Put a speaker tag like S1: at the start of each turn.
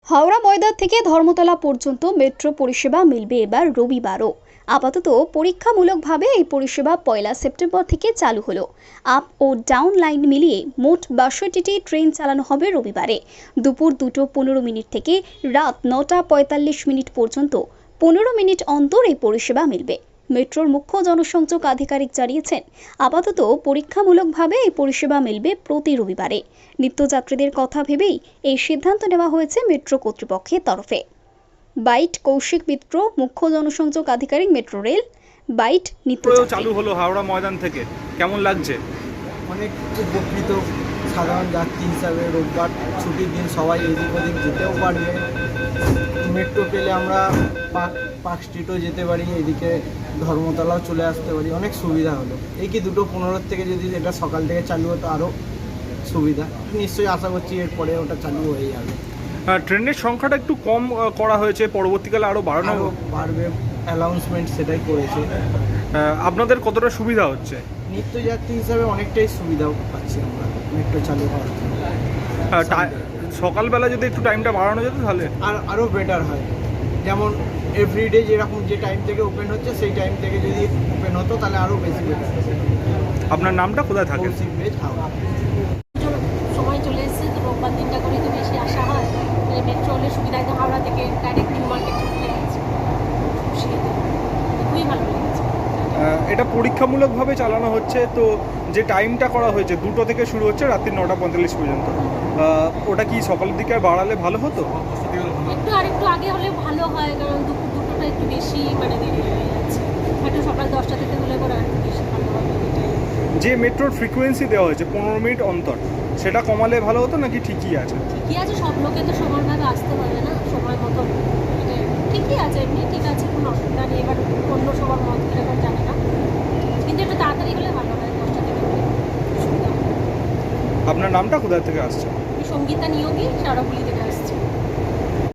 S1: হাওড়া ময়দান থেকে ধর্মতলা পর্যন্ত মেট্রো পরিষেবা মিলবে এবার রবিবারও। আপাতত পরীক্ষামূলকভাবে এই পরিষেবা 1 সেপ্টেম্বর থেকে চালু হলো। আপ ও ডাউন লাইন মিলিয়ে মোট 62টি ট্রেন চালানো হবে রবিবারে। দুপুর 2:15 থেকে রাত 9:45 পর্যন্ত 15 মিনিট অন্তর এই পরিষেবা মিলবে। মেট্রোর মুখ্য জনসংযোগ আধিকারিক জানিয়েছেন, আপাতত পরীক্ষামূলকভাবে এই পরিষেবা মিলবে প্রতি রবিবারে। নিত্যযাত্রীদের কথা ভেবেই এই সিদ্ধান্ত নেওয়া হয়েছে মেট্রো কর্তৃপক্ষের তরফে। বাইট কৌশিক মিত্র, মুখ্য জনসংযোগ আধিকারিক, মেট্রো রেল। বাইট নিত্যযাত্রী।
S2: চালু হলো হাওড়া ময়দান থেকে, কেমন লাগছে?
S3: অনেক উপকৃত। সাধারণ যাত্রী হিসাবে রোববার ছুটির দিন সবাই এদিক ওদিক যেতেও পারবে। মেট্রো পেলে আমরা পার্ক স্ট্রিটও যেতে পারি, এদিকে ধর্মতলাও চলে আসতে পারি, অনেক সুবিধা হলো। এই কি 2:15 থেকে যদি এটা সকাল থেকে চালু হতো আরও সুবিধা। নিশ্চয়ই আশা করছি এরপরে ওটা চালু হয়ে যাবে।
S2: ট্রেনের সংখ্যাটা একটু কম করা হয়েছে, পরবর্তীকালে আরও বাড়ানো
S3: বাড়বে, অ্যানাউন্সমেন্ট সেটাই করেছে।
S2: আপনাদের কতটা সুবিধা হচ্ছে?
S3: নিত্যযাত্রী হিসাবে অনেকটাই সুবিধা পাচ্ছি আমরা মেট্রো চালু হওয়ার জন্য।
S2: সকালবেলা যদি একটু টাইমটা বাড়ানো যেত তাহলে
S3: আরও বেটার হয়। যেমন এভরিডে যেরকম যে টাইম থেকে ওপেন হচ্ছে সেই টাইম থেকে যদি ওপেন হতো তাহলে আরও বেশি বেটার।
S2: আপনার নামটা কোথায় থাকে?
S3: কৌশিক বেজ, হাওড়া।
S4: সময় চলে এসেছে তো রোববার দিনটা করে তো বেশি আসা হয়। মেট্রো হলে সুবিধা, একদম হাওড়া থেকে ডাইরেক্ট নিউ মার্কেট চলে যাচ্ছে, খুবই ভালো লেগেছে।
S2: এটা পরীক্ষামূলকভাবে চালানো হচ্ছে, তো যে টাইমটা করা হয়েছে 2টো থেকে শুরু হচ্ছে রাত্রি 9:45 পর্যন্ত, ওটা কি সকালের দিকে বাড়ালে ভালো হতো?
S4: আরেকটু আগে হলে ভালো হয়, কারণ দুটোটা একটু বেশি দেরি হয়ে যাচ্ছে। হয়তো সকাল 10টা থেকে হলে পরে আর একটু বেশি ভালো হবে।
S2: যে মেট্রোর ফ্রিকোয়েন্সি দেওয়া হয়েছে 15 মিনিট অন্তর, সেটা কমালে ভালো হতো নাকি ঠিকই আছে?
S4: ঠিকই আছে, সব লোকে তো সমানভাবে আসতে পারে না সময় মতো। ঠিকই আছে, এমনি ঠিক আছে, কোনো অসুবিধা নেই। এবার অন্য সবার মত কীরকম জানে না, কিন্তু একটু তাড়াতাড়ি হলে ভালো হয়, 10টা থেকে সুবিধা হয়।
S2: আপনার নামটা কোথা থেকে আসছে?
S4: আমি সঙ্গীতা নিয়োগী, শাওড়াফুলি থেকে।